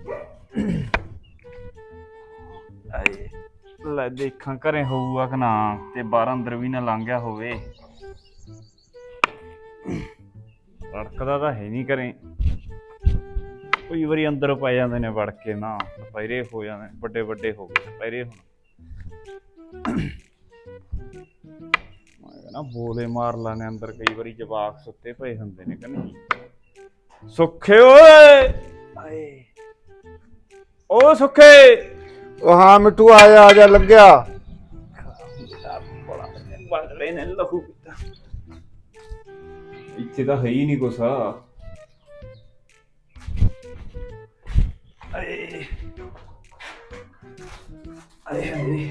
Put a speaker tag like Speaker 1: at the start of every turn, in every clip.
Speaker 1: ਲੈ ਦੇਖਾਂ ਘਰੇ ਹੋਊਗਾ ਕਿ ਨਾ, ਤੇ ਬਾਹਰ ਅੰਦਰ ਵੀ ਨਾ ਲੰਘ ਗਿਆ ਹੋਵੇ। ਰੜਕਦਾ ਤਾਂ ਹੈ ਨਹੀਂ ਘਰੇ। ਕਈ ਵਾਰੀ ਅੰਦਰ ਪੈ ਜਾਂਦੇ ਨੇ ਵੜ ਕੇ ਨਾ, ਦੁਪਹਿਰੇ ਹੋ ਜਾਂਦੇ ਵੱਡੇ ਵੱਡੇ ਹੋ ਗਏ ਦੁਪਹਿਰੇ। ਹੁਣ ਮੈਂ ਕਹਿੰਦਾ ਬੋਲੇ ਮਾਰ ਲਾਣੇ ਅੰਦਰ, ਕਈ ਵਾਰੀ ਜਵਾਕ ਸੁੱਤੇ ਪਏ ਹੁੰਦੇ ਨੇ ਕਿ ਨਹੀਂ। ਸੁੱਖੇ ਓਏ, ਓ ਸੁੱਖੇ।
Speaker 2: ਉਹ ਹਾਂ ਮਿੱਠੂ ਆ ਜਾ ਲੱਗਿਆ।
Speaker 1: ਬੜੇ ਨੇ ਲਹੂ ਪੀਤਾ। ਇੱਥੇ ਤਾਂ ਹੈ ਹੀ ਨਹੀਂ ਕੁਛ। ਆਏ ਆਏ ਆਏ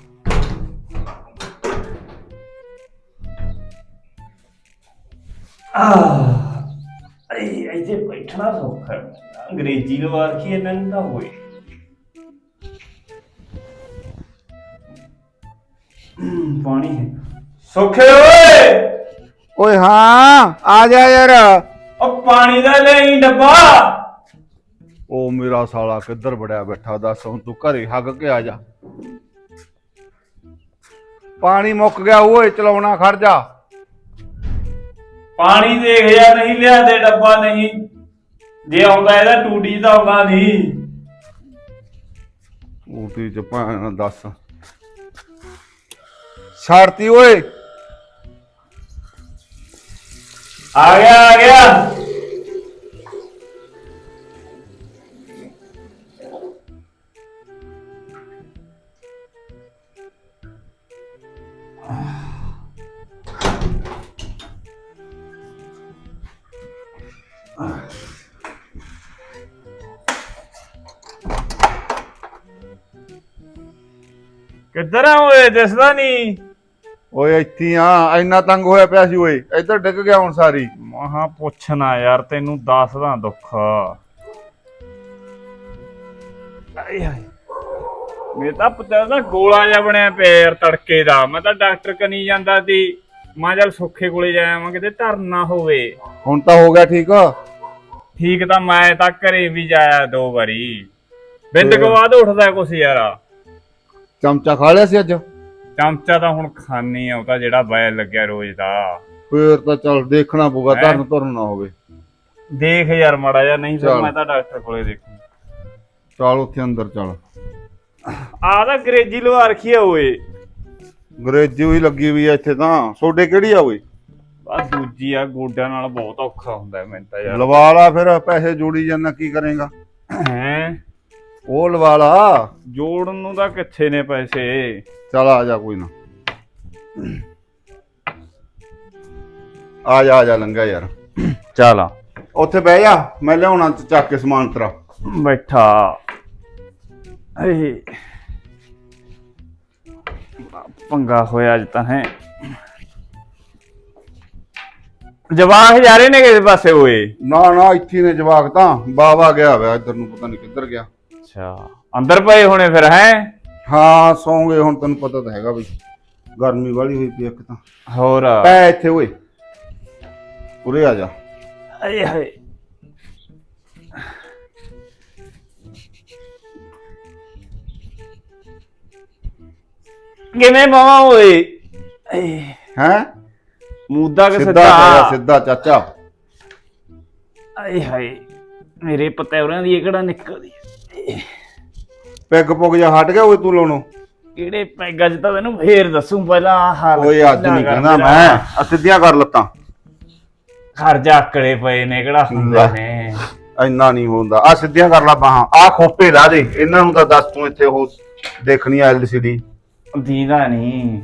Speaker 1: ਇੱਥੇ ਬੈਠਣਾ ਸੌਖਾ। ਅੰਗਰੇਜ਼ੀ ਲਵਾ ਰੱਖੀ ਇਹਨਾਂ ਨੂੰ ਤਾਂ ਹੋਏ। ਪਾਣੀ ਹੈ ਸੁੱਖੇ ਓਏ।
Speaker 2: ਓਏ ਹਾਂ ਆ ਜਾ ਯਾਰ।
Speaker 1: ਉਹ ਪਾਣੀ ਦਾ ਲੈ ਡੱਬਾ।
Speaker 2: ਉਹ ਮੇਰਾ ਸਾਲਾ ਕਿੱਧਰ ਵੜਿਆ ਬੈਠਾ, ਦੱਸ ਹੁਣ ਤੂੰ ਘਰੇ ਹੱਗ ਕੇ ਆ ਜਾ। ਪਾਣੀ ਮੁੱਕ ਗਿਆ ਓਏ, ਚਲਾਉਣਾ ਖੜ ਜਾ।
Speaker 1: ਪਾਣੀ ਦੇਖ ਯਾਰ, ਨਹੀਂ ਲਿਆ ਦੇ ਡੱਬਾ। ਨਹੀਂ ਜੇ ਆਉਂਦਾ ਇਹਦਾ ਟੂਟੀ ਤਾਂ ਆਉਂਦਾ ਨਹੀਂ।
Speaker 2: ਟੂਟੀ ਚ ਭਾਣਾ ਦੱਸ ਛੱਡਤੀ ਓਏ।
Speaker 1: ਆ ਗਿਆ ਆ ਗਿਆ। ਕਿੱਧਰ ਆ ਓਏ, ਦਿਸਦਾ ਨਹੀਂ।
Speaker 2: ਓਏ ਇੱਥੇ ਆ, ਇੰਨਾ ਤੰਗ ਹੋਇਆ ਪਿਆ ਸੀ ਓਏ, ਇੱਧਰ ਡਿੱਗ ਗਿਆ ਹੁਣ ਸਾਰੀ।
Speaker 1: ਮਹਾ ਪੁੱਛਣਾ ਯਾਰ, ਤੈਨੂੰ ਦੱਸਦਾ ਦੁੱਖ। ਆਏ ਹਾਏ ਮੇਰੇ ਤਾਂ ਪਤਾ ਨਾ ਗੋਲਾ ਜਿਹਾ ਬਣਿਆ ਪਿਆ ਯਾਰ ਤੜਕੇ ਦਾ। ਮੈਂ ਤਾਂ ਡਾਕਟਰ ਕਨੀ ਜਾਂਦਾ ਸੀ, ਮੈਂ ਚੱਲ ਸੁੱਖੇ ਕੋਲੇ ਜਾਵਾਂ ਕਿਤੇ ਧਰਨਾ ਹੋਵੇ।
Speaker 2: ਹੁਣ ਤਾਂ ਹੋ ਗਿਆ ਠੀਕ।
Speaker 1: ਠੀਕ ਤਾਂ ਮੈਂ ਤਾਂ ਘਰੇ ਵੀ ਜਾਇਆ 2 ਵਾਰੀ। ਬਿੰਦ ਕੋ ਬਾਅਦ ਉੱਠਦਾ ਕੁਛ ਯਾਰ।
Speaker 2: ਚਮਚਾ ਖਾ ਲਿਆ ਸੀ ਅੱਜ?
Speaker 1: ਚਮਚਾ ਤਾਂ ਹੁਣ ਖਾਣੀ ਆ, ਉਹ ਤਾਂ ਜਿਹੜਾ ਬੈਲ ਲੱਗਿਆ ਰੋਜ਼ ਦਾ।
Speaker 2: ਫੇਰ ਤਾਂ ਚੱਲ ਦੇਖਣਾ ਪਊਗਾ, ਧਰਨ ਧਰਨ ਨਾ ਹੋਵੇ।
Speaker 1: ਦੇਖ ਯਾਰ ਮਾੜਾ ਜਿਹਾ, ਨਹੀਂ ਫਿਰ ਮੈਂ ਤਾਂ ਡਾਕਟਰ ਕੋਲੇ ਦੇਖੂ।
Speaker 2: ਚੱਲ ਉੱਥੇ ਅੰਦਰ ਚੱਲ।
Speaker 1: ਆਹ ਤਾਂ ਅੰਗਰੇਜ਼ੀ ਲਵਾ ਰੱਖੀ ਆ ਓਏ।
Speaker 2: ਅੰਗਰੇਜ਼ੀ ਹੀ ਲੱਗੀ ਵੀ ਆ ਇੱਥੇ ਤਾਂ। ਸੋਡੇ ਕਿਹੜੀ ਆ ਓਏ?
Speaker 1: ਆ ਦੂਜੀ ਆ, ਗੋਡਿਆਂ ਨਾਲ ਬਹੁਤ ਔਖਾ ਹੁੰਦਾ ਮੈਨੂੰ ਤਾਂ ਯਾਰ।
Speaker 2: ਲਵਾ ਲਾ ਫਿਰ, ਪੈਸੇ ਜੋੜੀ ਜਾਂਦਾ ਕੀ ਕਰੇਗਾ?
Speaker 1: ਹੈਂ
Speaker 2: ਉਹ ਲਵਾ ਲਾ।
Speaker 1: ਜੋੜਨ ਨੂੰ ਤਾਂ ਕਿੱਥੇ ਨੇ ਪੈਸੇ।
Speaker 2: ਚੱਲ ਆ ਜਾ, ਕੋਈ ਨਾ ਆ ਜਾ ਲੰਘਿਆ ਯਾਰ।
Speaker 1: ਚੱਲ ਆ
Speaker 2: ਉੱਥੇ ਬਹਿ ਜਾ, ਮੈਂ ਲਿਆਉਣਾ ਚੱਕ ਕੇ ਸਮਾਨ ਤੇਰਾ।
Speaker 1: ਬੈਠਾ। ਪੰਗਾ ਹੋਇਆ ਅੱਜ ਤਾਂ। ਹੈ ਜਵਾਕ ਜਾ ਰਹੇ ਨੇ ਕਿਸੇ ਪਾਸੇ ਓਏ?
Speaker 2: ਨਾ ਨਾ ਇੱਥੇ ਨੇ ਜਵਾਕ ਤਾਂ। ਬਾਵਾ ਗਿਆ ਵਾ ਇੱਧਰ ਨੂੰ, ਪਤਾ ਨਹੀਂ ਕਿੱਧਰ ਗਿਆ।
Speaker 1: ਅੱਛਾ ਅੰਦਰ ਪਏ ਹੋਣੇ ਫਿਰ। ਹੈ
Speaker 2: ਹਾਂ ਸੌਂਗੇ ਹੁਣ, ਤੈਨੂੰ ਪਤਾ ਤਾਂ ਹੈਗਾ ਬਈ ਗਰਮੀ ਵਾਲੀ ਹੋਈ ਪਈ ਇੱਕ ਤਾਂ।
Speaker 1: ਹੋਰ
Speaker 2: ਪੈ ਇੱਥੇ ਓਏ, ਉਰੇ ਆ ਜਾ।
Speaker 1: ਆਏ ਹਾਏ ਕਿਵੇਂ ਮਾਵਾ ਓਏ?
Speaker 2: ਹੈ
Speaker 1: ਮੂਦਾ ਕਿ
Speaker 2: ਸਿੱਧਾ ਸਿੱਧਾ ਚਾਚਾ।
Speaker 1: ਆਏ ਹਾਏ ਮੇਰੇ ਪਤੈਵਰਿਆਂ ਦੀ ਇਹ ਕਿਹੜਾ ਨਿਕਲਦੀ।
Speaker 2: ਪੈਗ ਪੁੱਗ ਜਾ ਹਟ ਗਿਆ ਓਏ ਤੂੰ ਲਾਉਣੋਂ?
Speaker 1: ਕਿਹੜੇ ਪੈਗਾਂ ਚ ਤਾਂ ਤੈਨੂੰ ਫੇਰ ਦੱਸੂ। ਪਹਿਲਾਂ ਆਹ ਹਾਲ
Speaker 2: ਓਏ ਅੱਜ ਨਹੀਂ ਕਹਿੰਦਾ ਮੈਂ, ਆ ਸਿੱਧੀਆਂ ਕਰ ਲੱਤਾਂ।
Speaker 1: ਖਰਜਾ ਆਕੜੇ ਪਏ ਨੇ, ਕਿਹੜਾ ਹੁੰਦਾ ਨੇ।
Speaker 2: ਇੰਨਾ ਨਹੀਂ ਹੁੰਦਾ। ਆ ਸਿੱਧੀਆਂ ਕਰ ਲਾ ਬਾਹਾਂ। ਆ ਖੋਪੇ ਲਾ ਦੇ ਇਹਨਾਂ ਨੂੰ ਤਾਂ ਦੱਸ ਤੂੰ। ਇੱਥੇ ਉਹ ਦੇਖਣੀ ਆ LCD
Speaker 1: ਦੀਦਾ ਨਹੀਂ।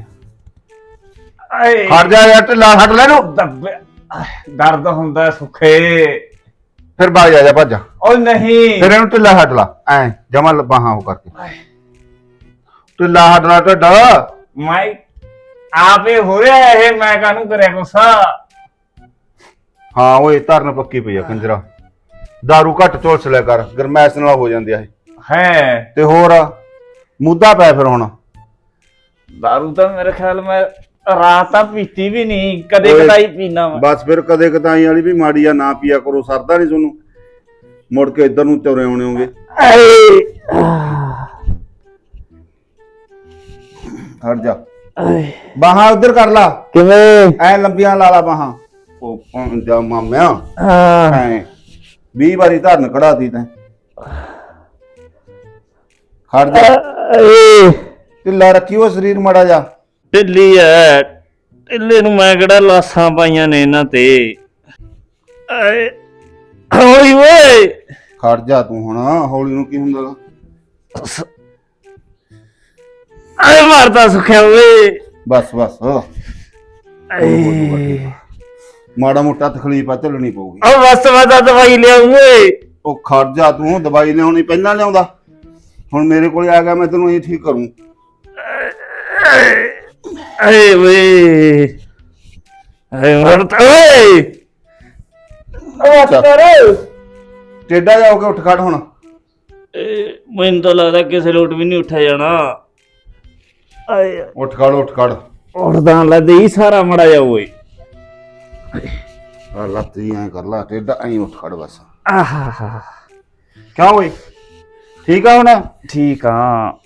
Speaker 2: ਹਟ ਜਾ ਯਾਰ, ਢਿੱਲਾ ਹਟ ਲੈ ਨੂੰ।
Speaker 1: ਦਰਦ ਹੁੰਦਾ ਸੁੱਖੇ।
Speaker 2: ਫਿਰ ਬਾਜ ਆ ਜਾ, ਭੱਜ।
Speaker 1: ਓ ਨਹੀਂ
Speaker 2: ਫਿਰ ਇਹਨੂੰ ਢਿੱਲਾ ਹਟ ਲਾ, ਐ ਜਮਾ ਬਾਹਾਂ ਉਹ ਕਰਕੇ ਢਿੱਲਾ ਹਟ ਲਾ ਢਿੱਡ।
Speaker 1: ਮੈਂ ਆਪੇ ਹੋ ਰਿਹਾ ਇਹ, ਮੈਂ ਕਾਹਨੂੰ ਕਰਿਆ ਗੁੱਸਾ।
Speaker 2: ਹਾਂ ਓਏ ਧਰਨ ਪੱਕੀ ਪਈ ਆ ਕੰਜਰਾ। ਦਾਰੂ ਘੱਟ ਝੋਲਸ ਲਿਆ ਕਰ, ਗਰਮੈਸ਼ ਨਾਲ ਹੋ ਜਾਂਦੀ ਆ ਇਹ।
Speaker 1: ਹੈ
Speaker 2: ਤੇ ਹੋਰ ਮੁੱਦਾ ਪੈ ਫਿਰ ਹੁਣ।
Speaker 1: ਦਾਰੂ ਤਾਂ ਮੇਰੇ ਖਿਆਲ ਮੈਂ ਰਾਤ ਤਾਂ ਪੀਤੀ ਵੀ ਨਹੀਂ, ਕਦੇ ਕਦਾਈ ਪੀਣਾ ਵਾ।
Speaker 2: ਬਸ ਫਿਰ ਕਦੇ ਕਦਾਈ ਵਾਲੀ ਵੀ ਮਾੜੀ ਆ, ਨਾ ਪੀਆ ਕਰੋ। ਸਰਦਾ ਨਹੀਂ ਤੁਹਾਨੂੰ, ਮੁੜ ਕੇ ਇੱਧਰ ਨੂੰ ਤੁਰੇ ਆਉਣੇ ਹੋਗੇ। ਹਟ ਜਾ ਬਾਹਾਂ ਉਧਰ ਕਰ ਲਾ
Speaker 3: ਕਿਵੇਂ
Speaker 2: ਐ ਲੰਬੀਆਂ ਲਾ ਲਾ ਬਾਹਾਂ ਉਹ ਜਾ ਮਾਮਿਆ ਐ 20 ਵਾਰੀ ਧਰਨ ਕਢਾਤੀ ਤੈਂ ਹਟ ਜਾ ਢਿੱਲਾ ਰੱਖੀ ਉਹ ਸਰੀਰ ਮਾੜਾ ਜਾ
Speaker 3: ਢਿੱਲੀ ਐ ਢਿੱਲੇ ਨੂੰ ਮੈਂ ਕਿਹੜਾ ਲਾਸਾਂ ਪਾਈਆਂ ਨੇ ਇਹਨਾਂ ਤੇ ਆਏ ਹੌਲੀ ਓਏ
Speaker 2: ਖੜ ਜਾ ਤੂੰ ਹੁਣ ਹੌਲੀ ਨੂੰ ਕੀ ਹੁੰਦਾ ਗਾ?
Speaker 3: ਆਏ ਮਾਰਦਾ ਸੁਖਿਆ ਓਏ
Speaker 2: ਬਸ ਬਸ
Speaker 3: ਆਏ
Speaker 2: ਮਾੜਾ ਮੋਟਾ ਤਕਲੀਫ ਆ ਝੱਲਣੀ ਪਊਗੀ
Speaker 3: ਆ ਬਸ ਮੈਂ ਤਾਂ ਦਵਾਈ ਲਿਆਉਂ ਓਏ
Speaker 2: ਉਹ ਖੜ ਜਾ ਤੂੰ ਦਵਾਈ ਲਿਆਉਣੀ ਪਹਿਲਾਂ ਲਿਆਉਂਦਾ ਹੁਣ ਮੇਰੇ ਕੋਲ ਆ ਗਿਆ ਮੈਂ ਤੈਨੂੰ ਇਹ ਠੀਕ ਕਰੂੰ
Speaker 3: ਆਏ ਓਏ ਆਏ ਮਰਦਾ ਓਏ
Speaker 2: ਟੇਡਾ ਜਾਓਗੇ ਉੱਠ ਖੜ ਹੁਣ
Speaker 3: ਮੈਨੂੰ ਤਾਂ ਲੱਗਦਾ ਕਿਸੇ ਲੋਟ ਵੀ ਨਹੀਂ ਉੱਠਿਆ ਜਾਣਾ ਆਏ
Speaker 2: ਉੱਠ ਖੜ
Speaker 3: ਉੱਠਦਾ ਲੱਗਦਾ ਹੀ ਸਾਰਾ ਮੜਾ ਜਾ ਓਏ
Speaker 2: ਆ ਲੱਤੀ ਐ ਕਰ ਲਾ ਟੇਡਾ ਐਂ ਉੱਠ ਖੜ ਬਸ
Speaker 3: ਆਹਾ
Speaker 2: ਕਿਉਂ ਓਏ ਠੀਕ ਆ ਹੁਣ
Speaker 3: ਠੀਕ ਆ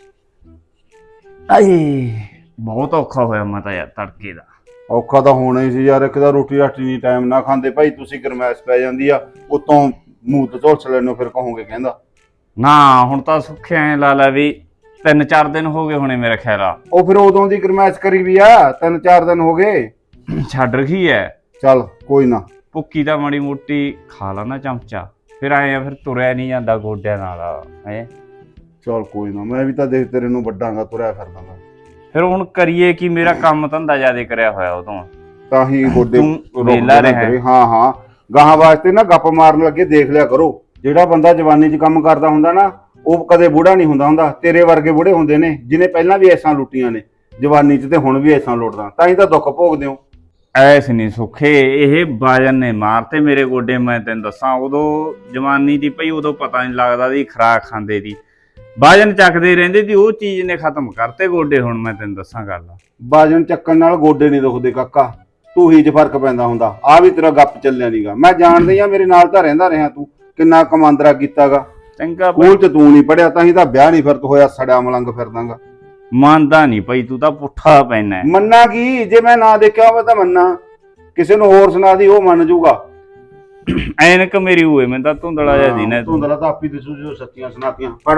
Speaker 3: ਆਏ ਬਹੁਤ ਔਖਾ ਹੋਇਆ ਮੈਂ ਤਾਂ ਯਾਰ ਤੜਕੇ ਦਾ
Speaker 2: ਔਖਾ ਤਾਂ ਹੋਣਾ ਹੀ ਸੀ ਯਾਰ ਇੱਕ ਤਾਂ ਰੋਟੀ ਰਾਟੀ ਨਹੀਂ ਟਾਈਮ ਨਾ ਖਾਂਦੇ ਭਾਈ ਤੁਸੀਂ ਗਰਮੈਸ਼ ਪੈ ਜਾਂਦੀ ਆ ਉਤੋਂ ਮੂੰਹ ਤੇ ਝੋਲਸ ਲੈਣੋ ਫਿਰ ਕਹੋਗੇ ਕਹਿੰਦਾ
Speaker 1: ਨਾ ਹੁਣ ਤਾਂ ਸੁੱਖਿਆ ਐ ਲਾ ਲੈ ਵੀ 3-4 ਦਿਨ ਹੋ ਗਏ ਹੋਣੇ ਮੇਰੇ ਖਿਆਲ ਆ
Speaker 2: ਉਹ ਫਿਰ ਉਦੋਂ ਦੀ ਗਰਮੈਸ਼ ਕਰੀ ਵੀ ਆ 3-4 ਦਿਨ ਹੋ ਗਏ
Speaker 1: ਛੱਡ ਰਖੀ ਐ
Speaker 2: ਚੱਲ ਕੋਈ ਨਾ
Speaker 1: ਭੁੱਕੀ ਦਾ ਮਾੜੀ ਮੋਟੀ ਖਾ ਲਾ ਨਾ ਚਮਚਾ ਫਿਰ ਆਏ ਆ ਫਿਰ ਤੁਰਿਆ ਨਹੀਂ ਜਾਂਦਾ ਗੋਡਿਆਂ ਨਾਲ ਹੈ
Speaker 2: ਚੱਲ ਕੋਈ ਨਾ ਮੈਂ ਵੀ ਤਾਂ ਦੇਖ ਤੇਰੇ ਨੂੰ ਵੱਡਾਂਗਾ ਤੁਰਿਆ ਫਿਰਦਾਂਗਾ
Speaker 1: ਫਿਰ ਹੁਣ ਕਰੀਏ ਕੀ ਮੇਰਾ ਕੰਮ ਧੰਦਾ ਜ਼ਿਆਦਾ ਕਰਿਆ ਹੋਇਆ ਉਦੋਂ
Speaker 2: ਤਾਂ ਹੀ ਗੋਡੇ
Speaker 1: ਤੂੰ ਵਿਹਲਾ ਰਿਹਾ।
Speaker 2: ਹਾਂ ਗਾਹਾਂ ਵਾਸਤੇ ਨਾ ਗੱਪ ਮਾਰਨ ਲੱਗੇ ਦੇਖ ਲਿਆ ਕਰੋ ਜਿਹੜਾ ਬੰਦਾ ਜਵਾਨੀ 'ਚ ਕੰਮ ਕਰਦਾ ਹੁੰਦਾ ਨਾ ਉਹ ਕਦੇ ਬੁੜਾ ਨਹੀਂ ਹੁੰਦਾ ਤੇਰੇ ਵਰਗੇ ਬੁੜੇ ਹੁੰਦੇ ਨੇ ਜਿਹਨੇ ਪਹਿਲਾਂ ਵੀ ਐਸਾਂ ਲੁੱਟੀਆਂ ਨੇ ਜਵਾਨੀ 'ਚ ਤੇ ਹੁਣ ਵੀ ਐਸਾਂ ਲੁੱਟਦਾ ਤਾਂ ਹੀ ਤਾਂ ਦੁੱਖ ਭੋਗਦੇ ਹੋ
Speaker 1: ਐਸ ਨਹੀਂ ਸੁੱਖੇ ਇਹ ਬਾਜਨ ਨੇ ਮਾਰਤੇ ਮੇਰੇ ਗੋਡੇ ਮੈਂ ਤੈਨੂੰ ਦੱਸਾਂ ਉਦੋਂ ਜਵਾਨੀ ਦੀ ਪਈ ਉਦੋਂ ਪਤਾ ਨਹੀਂ ਲੱਗਦਾ ਦੀ ਖੁਰਾਕ ਖਾਂਦੇ ਦੀ ਬਾਜਨ ਚੱਕਦੇ ਰਹਿੰਦੇ ਸੀ ਉਹ ਚੀਜ਼ ਨੇ ਖਤਮ ਕਰਤੇ ਗੋਡੇ ਹੁਣ ਮੈਂ ਤੈਨੂੰ ਦੱਸਾਂ ਗੱਲ
Speaker 2: ਬਾਜਨ ਚੱਕਣ ਨਾਲ ਗੋਡੇ ਨਹੀਂ ਦੁਖਦੇ ਕਾਕਾ ਤੂੰ ਹੀ 'ਚ ਫਰਕ ਪੈਂਦਾ ਹੁੰਦਾ ਆ ਵੀ ਤੇਰਾ ਗੱਪ ਚੱਲਿਆ ਨਹੀਂਗਾ ਮੈਂ ਜਾਣਦੀ ਆ ਮੇਰੇ ਨਾਲ ਤਾਂ ਰਹਿੰਦਾ ਰਿਹਾ ਤੂੰ ਕਿੰਨਾ ਕਮਾਂਦਰਾ ਕੀਤਾਗਾ
Speaker 1: ਚੰਗਾ
Speaker 2: ਸਕੂਲ 'ਚ ਤੂੰ ਨਹੀਂ ਪੜਿਆ ਤਾਂ ਹੀ ਤਾਂ ਵਿਆਹ ਨਹੀਂ ਫਿਰ ਹੋਇਆ ਸੜਿਆ ਮਲੰਗ ਫਿਰਦਾਗਾ
Speaker 1: ਮੰਨਦਾ ਨਹੀਂ ਪਈ ਤੂੰ ਤਾਂ ਪੁੱਠਾ ਪੈਣਾ
Speaker 2: ਮੰਨਾ ਕੀ ਜੇ ਮੈਂ ਨਾ ਦੇਖਿਆ ਹੋਵੇ ਤਾਂ ਮੰਨਾ ਕਿਸੇ ਨੂੰ ਹੋਰ ਸੁਣਾ ਦੀ ਉਹ ਮੰਨ ਜੂਗਾ
Speaker 1: ਐਨਕ ਮੇਰੀ ਹੋਏ ਮੈਂ ਤਾਂ ਧੁੰਦਲਾ ਜਿਹਾ ਦੀ ਨਾ
Speaker 2: ਧੁੰਦਲਾ ਤਾਂ ਆਪੀ ਦਿਸੂ ਜੋ ਸੱਚੀਆਂ ਸੁਣਾਤੀਆਂ ਪੜ